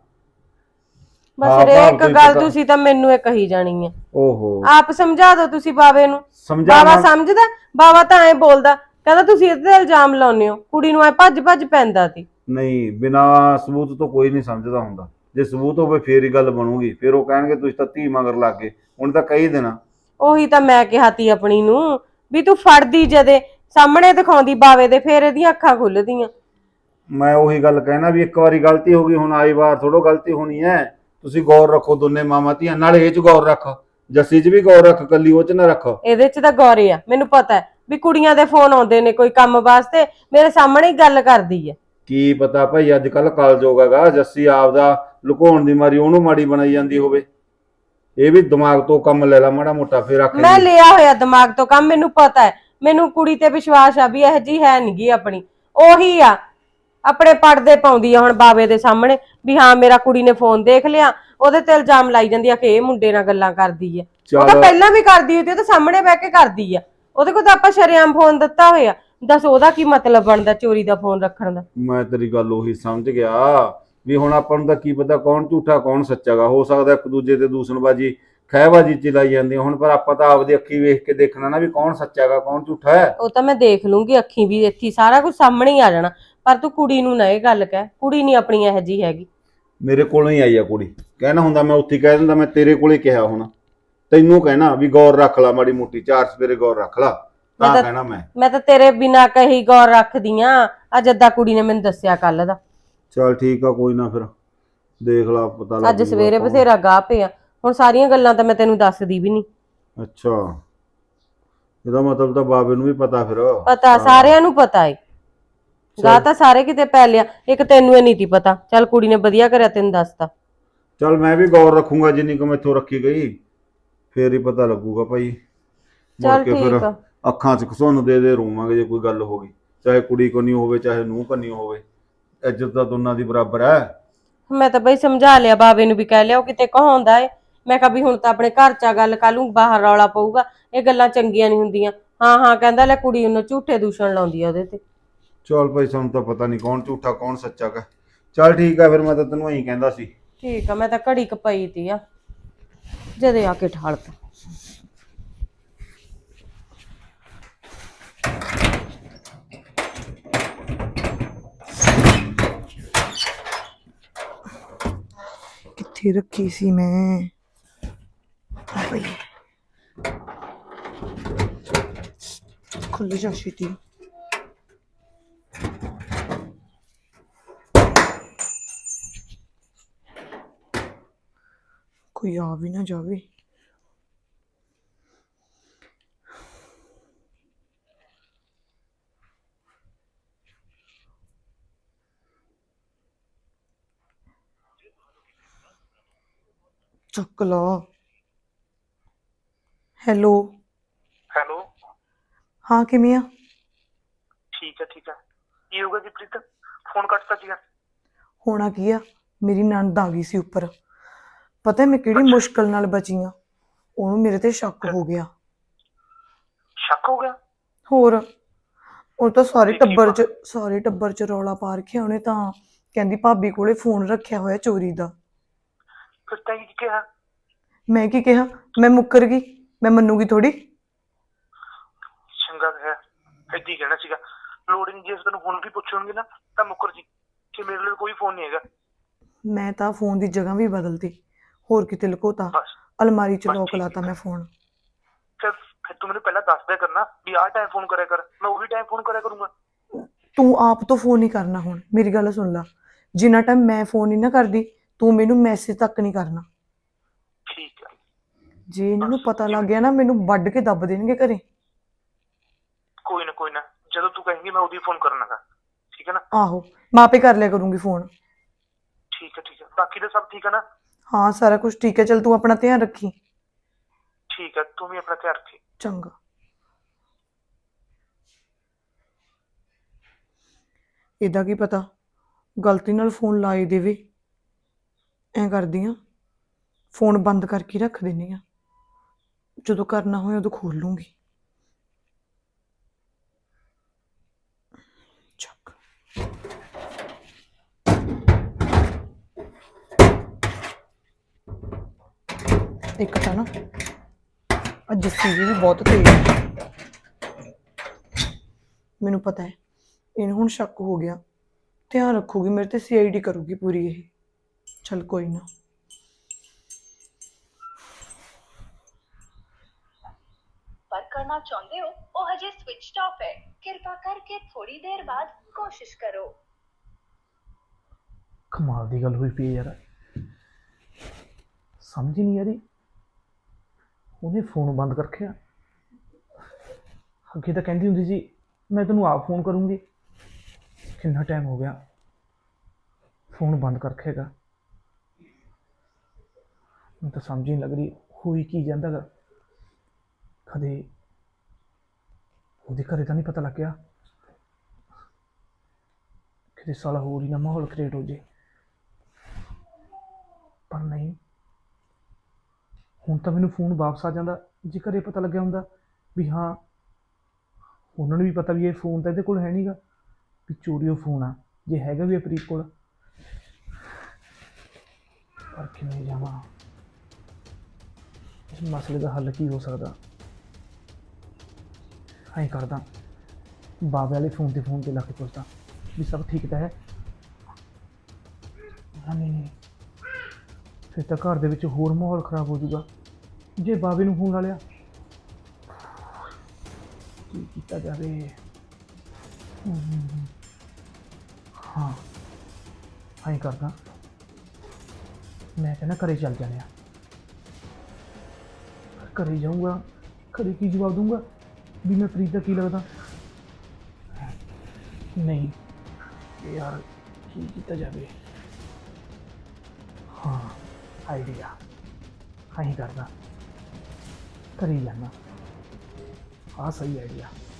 Speaker 6: ਬਸ
Speaker 2: ਹਾਂ,
Speaker 6: ਹਰੇਕ
Speaker 2: ਭਾਵ
Speaker 6: ਗੱਲ
Speaker 2: ਪਤਾ-
Speaker 6: ਤੁਸੀਂ ਤਾਂ ਮੈਨੂੰ ਇਹ ਕਹੀ ਜਾਣੀ ਹੈ।
Speaker 2: ਓਹੋ,
Speaker 6: ਆਪ ਸਮਝਾ ਦਿਓ ਤੁਸੀਂ ਬਾਵੇ ਨੂੰ।
Speaker 2: ਸਮਝਾਵਾਂ।
Speaker 6: ਬਾਵਾ ਸਮਝਦਾ? ਬਾਵਾ ਤਾਂ ਐ ਬੋਲਦਾ, ਕਹਿੰਦਾ ਤੁਸੀਂ ਇਹਦੇ ਤੇ ਇਲਜ਼ਾਮ ਲਾਉਂਦੇ ਹੋ। ਕੁੜੀ ਨੂੰ ਐ ਭੱਜ ਭੱਜ ਪੈਂਦਾ ਸੀ।
Speaker 2: ਨਹੀਂ, ਬਿਨਾ ਸਬੂਤ ਤੋਂ ਕੋਈ ਨਹੀਂ ਸਮਝਦਾ ਹੁੰਦਾ। ਜੇ ਸਬੂਤ ਹੋਵੇ ਫੇਰ ਹੀ ਗੱਲ ਬਣੂਗੀ। ਫਿਰ ਉਹ ਕਹਿਣਗੇ ਤੁਸੀਂ ਤਾਂ ਧੀ ਮਗਰ ਲੱਗ ਗਏ। ਹੁਣ ਤਾਂ ਕਹੀ ਦੇਣਾ।
Speaker 6: ਉਹੀ ਤਾਂ ਮੈਂ ਕਿਹਾ ਤੀ ਆਪਣੀ ਨੂੰ ਵੀ ਤੂੰ ਫੜਦੀ ਜਦੇ ਸਾਹਮਣੇ ਦਿਖਾਉਂਦੀ ਬਾਵੇ ਦੇ, ਫੇਰ ਇਹਦੀਆਂ ਅੱਖਾਂ ਖੁੱਲਦੀਆਂ।
Speaker 2: ਮੈਂ ਉਹੀ ਗੱਲ ਕਹਿਣਾ ਵੀ ਇੱਕ ਵਾਰੀ ਗਲਤੀ ਹੋ ਗਈ, ਹੁਣ ਆਈ ਵਾਰ ਥੋੜੋ ਗਲਤੀ ਹੋਣੀ ਹੈ। ਤੁਸੀਂ ਗੌਰ ਰੱਖੋ ਦੋਨੇ ਮਾਮਾ ਧੀਆਂ, ਨਾਲੇ ਇਹ 'ਚ ਗੌਰ ਰੱਖ, ਜੱਸੀ 'ਚ ਵੀ ਗੌਰ ਰੱਖ, ਕੱਲੀ ਉਹ 'ਚ ਨਾ ਰੱਖ।
Speaker 6: ਇਹਦੇ ਚ ਤਾਂ ਗੌਰੇ ਆ, ਮੈਨੂੰ ਪਤਾ ਹੈ ਵੀ ਕੁੜੀਆਂ ਦੇ ਫੋਨ ਆਉਂਦੇ ਨੇ ਕੋਈ ਕੰਮ ਵਾਸਤੇ, ਮੇਰੇ ਸਾਹਮਣੇ ਹੀ ਗੱਲ ਕਰਦੀ ਹੈ।
Speaker 2: ਕੀ ਪਤਾ ਭਾਈ ਅੱਜ ਕੱਲ ਕਲਯੁੱਗ ਹੈਗਾ, ਜੱਸੀ ਆਪਦਾ ਲੁਕਾਉਣ ਦੀ ਮਾਰੀ ਉਹਨੂੰ ਮਾੜੀ ਬਣਾਈ ਜਾਂਦੀ ਹੋਵੇ। ਇਹ ਵੀ ਦਿਮਾਗ ਤੋਂ ਕੰਮ ਲੈ ਲਾ ਮਾੜਾ ਮੋਟਾ, ਫਿਰ
Speaker 6: ਮੈਂ
Speaker 2: ਆਖੇ
Speaker 6: ਲਿਆ ਹੋਇਆ ਦਿਮਾਗ ਤੋਂ ਕੰਮ, ਮੈਨੂੰ ਪਤਾ ਹੈ। ਮੈਨੂੰ ਕੁੜੀ ਤੇ ਵਿਸ਼ਵਾਸ ਆ ਵੀ ਇਹ ਜੀ ਹੈ ਨਹੀਂਗੀ ਆਪਣੀ। ਉਹੀ ਆ ਆਪਣੇ ਪਰਦੇ ਪਾਉਂਦੀ ਆ ਹੁਣ ਬਾਵੇ ਦੇ ਸਾਹਮਣੇ ਵੀ ਹਾਂ ਮੇਰਾ ਕੁੜੀ ਨੇ ਫੋਨ ਦੇਖ ਲਿਆ, ਉਹਦੇ ਤੇ ਇਲਜ਼ਾਮ ਲਾਈ ਜਾਂਦੀ ਆ ਕਿ ਇਹ ਮੁੰਡੇ ਨਾਲ ਗੱਲਾਂ ਕਰਦੀ ਆ। ਉਹ ਤਾਂ ਪਹਿਲਾਂ ਵੀ ਕਰਦੀ ਹੋਈ ਤੇ ਉਹਦੇ ਸਾਹਮਣੇ ਬਹਿ ਕੇ ਕਰਦੀ ਆ। ਉਹਦੇ ਕੋਲ ਤਾਂ ਆਪਾਂ ਸ਼ਰੇਆਮ ਫੋਨ ਦਿੱਤਾ ਹੋਇਆ, ਦੱਸ ਉਹਦਾ ਕੀ ਮਤਲਬ ਬਣਦਾ ਚੋਰੀ ਦਾ ਫੋਨ ਰੱਖਣ ਦਾ?
Speaker 2: ਮੈਂ ਤੇਰੀ ਗੱਲ ਉਹੀ ਸਮਝ ਗਿਆ ਵੀ ਹੁਣ ਆਪਾਂ ਨੂੰ ਤਾਂ ਕੀ ਪਤਾ ਕੌਣ ਝੂਠਾ ਕੌਣ ਸੱਚਾਗਾ। ਹੋ ਸਕਦਾ ਇੱਕ ਦੂਜੇ ਤੇ ਦੂਸ਼ਣਬਾਜੀ ਖਹਿਬਾਜੀ ਚਲਾਈ ਜਾਂਦੀ ਹੁਣ, ਪਰ ਆਪਾਂ ਤਾਂ ਆਪਦੀ ਅੱਖੀ ਵੇਖ ਕੇ ਦੇਖਣਾ ਨਾ ਵੀ ਕੌਣ ਸੱਚਾਗਾ ਕੌਣ ਝੂਠਾ ਹੈ।
Speaker 6: ਉਹ ਤਾਂ ਮੈਂ ਦੇਖ ਲੂੰਗੀ, ਅੱਖੀ ਵੀ ਦੇਖੀ, ਸਾਰਾ ਕੁਝ ਸਾਹਮਣੇ ਹੀ ਆ ਜਾਣਾ। ਪਰ ਤੂੰ ਕੁੜੀ ਨੂੰ ਨਾ ਇਹ ਗੱਲ ਕਹਿ, ਕੁੜੀ ਨਹੀਂ ਆਪਣੀ ਇਹੋ ਜਿਹੀ ਹੈਗੀ।
Speaker 2: ਮੇਰੇ ਕੋਲੋਂ ਹੀ ਆਈ ਆ ਕੁੜੀ, ਕਹਿਣਾ ਹੁੰਦਾ ਮੈਂ ਉੱਥੇ ਕਹਿ ਦਿੰਦਾ। ਮੈਂ ਤੇਰੇ ਕੋਲੇ ਕਿਹਾ ਹੁਣ, ਤੈਨੂੰ ਕਹਿਣਾ ਵੀ ਗੌਰ ਰੱਖ ਲਾ ਮਾੜੀ ਮੋਟੀ, ਚਾਰ ਸਵੇਰੇ ਗੌਰ ਰੱਖ ਲਾ, ਤਾਂ ਕਹਿਣਾ
Speaker 6: ਮੈਂ ਤਾਂ ਤੇਰੇ ਬਿਨਾਂ ਕਹੀ ਗੌਰ ਰੱਖਦੀ ਆ। ਅੱਜ ਅੱਧਾ ਕੁੜੀ ਨੇ ਮੈਨੂੰ ਦੱਸਿਆ ਕੱਲ ਦਾ।
Speaker 2: ਚਲ ਠੀਕ ਆ, ਕੋਈ ਨਾ, ਫਿਰ ਦੇਖ ਲਾ ਪਤਾ ਲੱਗ
Speaker 6: ਅੱਜ ਸਵੇਰੇ ਬਥੇਰਾ ਗਾਹ ਪਿਆ। ਹੁਣ ਸਾਰੀਆਂ ਗੱਲਾਂ ਤਾਂ ਮੈਂ ਤੈਨੂੰ ਦੱਸਦੀ ਵੀ ਨਹੀਂ।
Speaker 2: ਅੱਛਾ, ਇਹਦਾ ਮਤਲਬ ਤਾਂ ਬਾਬੇ ਨੂੰ ਵੀ ਪਤਾ ਫਿਰ?
Speaker 6: ਪਤਾ ਸਾਰਿਆਂ ਨੂੰ ਪਤਾ ਏ, ਗਾਹ ਤਾਂ ਸਾਰੇ ਕਿਤੇ ਪੈ ਲਿਆ, ਇੱਕ ਤੈਨੂੰ ਇਹ ਨਹੀਂ ਤੀ ਪਤਾ। ਚੱਲ ਕੁੜੀ ਨੇ ਵਧੀਆ ਕਰਿਆ ਤੈਨੂੰ ਦੱਸਤਾ।
Speaker 2: ਚਲ ਮੈਂ ਵੀ ਗੌਰ ਰੱਖੂੰਗਾ ਜਿੰਨੀ ਕੁ ਮੈਥੋਂ ਰੱਖੀ ਗਈ, ਫੇਰ ਹੀ ਪਤਾ ਲੱਗੂਗਾ ਭਾਈ। ਮੁੜ
Speaker 6: ਚੱਲ
Speaker 2: ਕੇ ਫਿਰ
Speaker 6: ਠੀਕ ਆ।
Speaker 2: ਅੱਖਾਂ 'ਚ ਘਸੁੰਨ ਦੇ ਰੋਵਾਂਗੇ ਜੇ ਕੋਈ ਗੱਲ ਹੋ ਗਈ, ਚਾਹੇ ਕੁੜੀ ਕੰਨੀ ਹੋਵੇ ਚਾਹੇ ਨੂੰਹ ਕੰਨੀ ਹੋਵੇ। ਇੱਜ਼ਤ ਤਾਂ ਦੋਨਾਂ ਦੀ ਬਰਾਬਰ ਹੈ।
Speaker 6: ਮੈਂ ਤਾਂ ਬਈ ਸਮਝਾ ਲਿਆ ਬਾਵੇ ਨੂੰ ਵੀ, ਕਹਿ ਲਿਆ ਉਹ ਕਿਤੇ ਕਹਾਉਂਦਾ ਏ। ਮੈਂ ਕਿਹਾ ਵੀ ਹੁਣ ਤਾਂ ਆਪਣੇ ਘਰ 'ਚ ਆ ਗੱਲ, ਕੱਲ ਨੂੰ ਬਾਹਰ ਰੌਲਾ ਪਊਗਾ, ਇਹ ਗੱਲਾਂ ਚੰਗੀਆਂ ਨਹੀਂ ਹੁੰਦੀਆਂ। ਹਾਂ ਹਾਂ ਕਹਿੰਦਾ, ਲੈ ਕੁੜੀ ਉਹਨੂੰ ਝੂਠੇ ਦੂਸ਼ਣ ਲਾਉਂਦੀ ਆ ਉਹਦੇ ਤੇ।
Speaker 2: ਚਲ ਭਾਈ ਸਾਨੂੰ ਤਾਂ ਪਤਾ ਨਹੀਂ ਕੌਣ ਝੂਠਾ ਕੌਣ ਸੱਚਾ ਗਾ। ਚਲ ਠੀਕ ਆ, ਫਿਰ ਮੈਂ ਤਾਂ ਤੈਨੂੰ ਇਹੀ ਕਹਿੰਦਾ ਸੀ।
Speaker 6: ਠੀਕ ਆ, ਮੈਂ ਤਾਂ ਘੜੀ ਕਪਈ ਤੀ ਆ ਜਦੇ ਆ ਕੇ ਠਾਲਤਾ।
Speaker 4: ਕਿੱਥੇ ਰੱਖੀ ਸੀ ਮੈਂ? ਆ ਬਈ ਖੁੱਲ ਜਾ ਛੇਤੀ। ਕੋਈ ਆ ਵੀ ਨਾ ਜਾਵੇ। ਚੱਕ ਲਾ। ਹੈਲੋ।
Speaker 7: ਹੈਲੋ।
Speaker 4: ਹਾਂ ਕਿਵੇਂ ਆ?
Speaker 7: ਠੀਕ ਹੈ ਠੀਕ ਹੈ। ਕੀ ਹੋ ਗਿਆ ਜੀ ਪ੍ਰੀਤ, ਫੋਨ ਕੱਟਤਾ ਸੀਗਾ?
Speaker 4: ਹੋਣਾ ਕੀ ਆ, ਮੇਰੀ ਨਣਦ ਆ ਗਈ ਸੀ ਉੱਪਰ। ਪਤਾ ਮੈਂ ਕਿਹੜੀ ਮੁਸ਼ਕਲ ਨਾਲ ਬਚੀ ਆ। ਉਹਨੂੰ ਮੇਰੇ ਤੇ ਸ਼ੱਕ ਹੋ ਗਿਆ।
Speaker 7: ਸ਼ੱਕ ਹੋ ਗਿਆ?
Speaker 4: ਹੋਰ ਉਹ ਤਾਂ ਸਾਰੇ
Speaker 7: ਤੇ ਕੀ
Speaker 4: ਟੱਬਰ 'ਚ ਰੌਲਾ ਪਾ ਰੱਖਿਆ ਉਹਨੇ ਤਾਂ ਕਹਿੰਦੀ ਭਾਬੀ ਕੋਲੇ ਫੋਨ ਰੱਖਿਆ ਹੋਇਆ ਚੋਰੀ ਦਾ।
Speaker 7: ਫਿਰ ਤੈਂ ਕੀ ਕਿਹਾ?
Speaker 4: ਮੈਂ ਕੀ ਕਿਹਾ? ਮੈਂ ਮੁੱਕਰ ਗਈ, ਮੈਂ ਮੰਨੂਗੀ ਥੋੜੀ।
Speaker 7: ਚੰਗਾ ਹੈ, ਏਦਾਂ ਹੀ ਕਹਿਣਾ ਸੀਗਾ। ਲੋੜ ਨਹੀਂ, ਜੇ ਤੈਨੂੰ ਹੁਣ ਵੀ ਪੁੱਛਣਗੇ ਨਾ ਤਾਂ ਮੁੱਕਰ ਜੀ ਕਿ ਮੇਰੇ ਲਈ ਕੋਈ ਫੋਨ ਨਹੀਂ ਹੈਗਾ।
Speaker 4: ਮੈਂ ਤਾਂ ਫੋਨ ਦੀ ਜਗ੍ਹਾ ਵੀ ਬਦਲਤੀ, ਹੋਰ ਕਿਤੇ ਲੁਕੋਤਾ,
Speaker 7: ਬਸ
Speaker 4: ਅਲਮਾਰੀ 'ਚ
Speaker 7: ਬਸ
Speaker 4: ਲੋਕ
Speaker 7: ਠੀਕ
Speaker 4: ਲਾਤਾ ਮੈਂ ਫੋਨ।
Speaker 7: ਫਿਰ ਤੂੰ ਮੈਨੂੰ ਪਹਿਲਾਂ ਦੱਸ ਦਿਆ ਕਰਨਾ ਵੀ ਆਹ ਟਾਈਮ ਫੋਨ ਕਰਿਆ ਕਰ, ਮੈਂ ਉਹੀ ਟਾਈਮ ਫੋਨ ਕਰਿਆ ਕਰੂੰਗਾ।
Speaker 4: ਤੂੰ ਆਪ ਤੋਂ ਫੋਨ ਨਹੀਂ ਕਰਨਾ ਹੁਣ, ਮੇਰੀ ਗੱਲ ਸੁਣ ਲਾ। ਜਿੰਨਾ ਟਾਈਮ ਮੈਂ ਫੋਨ ਨਹੀਂ ਨਾ ਕਰਦੀ, ਤੂੰ ਮੈਨੂੰ ਮੈਸੇਜ ਤੱਕ ਨਹੀਂ ਕਰਨਾ।
Speaker 7: ਠੀਕ ਹੈ।
Speaker 4: ਜੇ ਇਹਨਾਂ ਨੂੰ ਪਤਾ ਲੱਗ ਗਿਆ ਨਾ, ਮੈਨੂੰ ਵੱਢ ਕੇ ਦੱਬ ਦੇਣਗੇ ਘਰੇ।
Speaker 7: ਕੋਈ ਨਾ, ਜਦੋਂ ਤੂੰ ਕਹੇਂਗੀ ਮੈਂ ਉਹਦੀ ਫੋਨ ਕਰਨਾਗਾ, ਠੀਕ ਹੈ ਨਾ?
Speaker 4: ਆਹੋ, ਮੈਂ ਆਪੇ ਕਰ ਲਿਆ ਕਰੂੰਗੀ ਫੋਨ।
Speaker 7: ਠੀਕ ਹੈ। ਬਾਕੀ ਤਾਂ ਸਭ ਠੀਕ ਹੈ ਨਾ?
Speaker 4: ਹਾਂ, ਸਾਰਾ ਕੁਝ ਠੀਕ ਹੈ। ਚੱਲ ਤੂੰ ਆਪਣਾ ਧਿਆਨ ਰੱਖੀ।
Speaker 7: ਠੀਕ ਹੈ, ਤੂੰ ਵੀ ਆਪਣਾ ਧਿਆਨ ਰੱਖੀ।
Speaker 4: ਚੰਗਾ। ਇਹਦਾ ਕੀ ਪਤਾ, ਗਲਤੀ ਨਾਲ ਫੋਨ ਲਾ ਹੀ ਦੇਵੇ। ਐਂ ਕਰਦੀ ਆ, ਫੋਨ ਬੰਦ ਕਰਕੇ ਰੱਖ ਦਿੰਦੀ ਆ, ਜਦੋਂ ਕਰਨਾ ਹੋਏ ਉਦੋਂ ਖੋਲ ਲੂੰਗੀ। ਚੱਕ। ਇੱਕ ਤਾਂ ਨਾ ਅੱਜ ਜੱਸੀ ਜੀ ਵੀ ਬਹੁਤ ਤੇਜ਼ ਹੈ। ਮੈਨੂੰ ਪਤਾ ਹੈ ਇਹਨੂੰ ਹੁਣ ਸ਼ੱਕ ਹੋ ਗਿਆ, ਧਿਆਨ ਰੱਖੂਗੀ ਮੇਰੇ ਤੇ, CID ਕਰੂਗੀ ਪੂਰੀ ਇਹ। ਚੱਲ ਕੋਈ ਨਾ।
Speaker 8: पर करना चाहते हो वो हजे स्विच्ड ऑफ है, कृपा करके थोड़ी देर बाद कोशिश करो।
Speaker 9: कमाल की गल हुई पी है यार, समझ ही नहीं आ रही। उन्हें फोन बंद कर रखा, अगे तो कहती होंगी सी मैं तेनों आप फोन करूँगी। कितना टाइम हो गया फोन बंद कर रखेगा, मैं तो समझ ही नहीं लग रही हुई की जाता गा। कदे ਉਹਦੇ ਘਰੇ ਤਾਂ ਨਹੀਂ ਪਤਾ ਲੱਗ ਗਿਆ, ਕਿਤੇ ਸਾਲਾ ਹੋਰ ਹੀ ਨਾ ਮਾਹੌਲ ਕ੍ਰੀਏਟ ਹੋ ਜੇ। ਪਰ ਨਹੀਂ, ਹੁਣ ਤਾਂ ਮੈਨੂੰ ਫੋਨ ਵਾਪਸ ਆ ਜਾਂਦਾ। ਜੇ ਘਰੇ ਪਤਾ ਲੱਗਿਆ ਹੁੰਦਾ ਵੀ ਹਾਂ, ਉਹਨਾਂ ਨੂੰ ਵੀ ਪਤਾ ਵੀ ਇਹ ਫੋਨ ਤਾਂ ਇਹਦੇ ਕੋਲ ਹੈ ਨਹੀਂਗਾ, ਵੀ ਚੋਰੀ ਉਹ ਫੋਨ ਆ, ਜੇ ਹੈਗਾ ਵੀ ਪ੍ਰੀਤ ਕੋਲ। ਪਰ ਕਿਵੇਂ ਜਾਵਾਂ, ਇਸ ਮਸਲੇ ਦਾ ਹੱਲ ਕੀ ਹੋ ਸਕਦਾ? ਐਂ ਕਰਦਾ, ਬਾਬੇ ਵਾਲੇ ਫੋਨ ਤੇ ਲਾ ਕੇ ਪੁੱਛਦਾ ਵੀ ਸਭ ਠੀਕ ਤਾਂ ਹੈ। ਨਹੀਂ, ਫਿਰ ਤਾਂ ਘਰ ਦੇ ਵਿੱਚ ਹੋਰ ਮਾਹੌਲ ਖਰਾਬ ਹੋ ਜਾਊਗਾ। ਜੇ ਬਾਬੇ ਨੂੰ ਫੋਨ ਲਾ ਲਿਆ, ਕੀ ਕੀਤਾ ਜਾਵੇ? ਹਾਂ, ਐਂ ਕਰਦਾ, ਮੈਂ ਕਹਿੰਦਾ ਘਰੇ ਚੱਲ ਜਾਂਦੇ ਆ। ਘਰੇ ਜਾਊਂਗਾ, ਘਰੇ ਕੀ ਜਵਾਬ ਦੂੰਗਾ ਵੀ ਮੈਂ ਪ੍ਰੀਤ ਦਾ ਕੀ ਲੱਗਦਾ? ਨਹੀਂ यार, की किया जाए? हाँ, आइडिया हाँ ही करना, कर ही जाना। हाँ, सही आइडिया।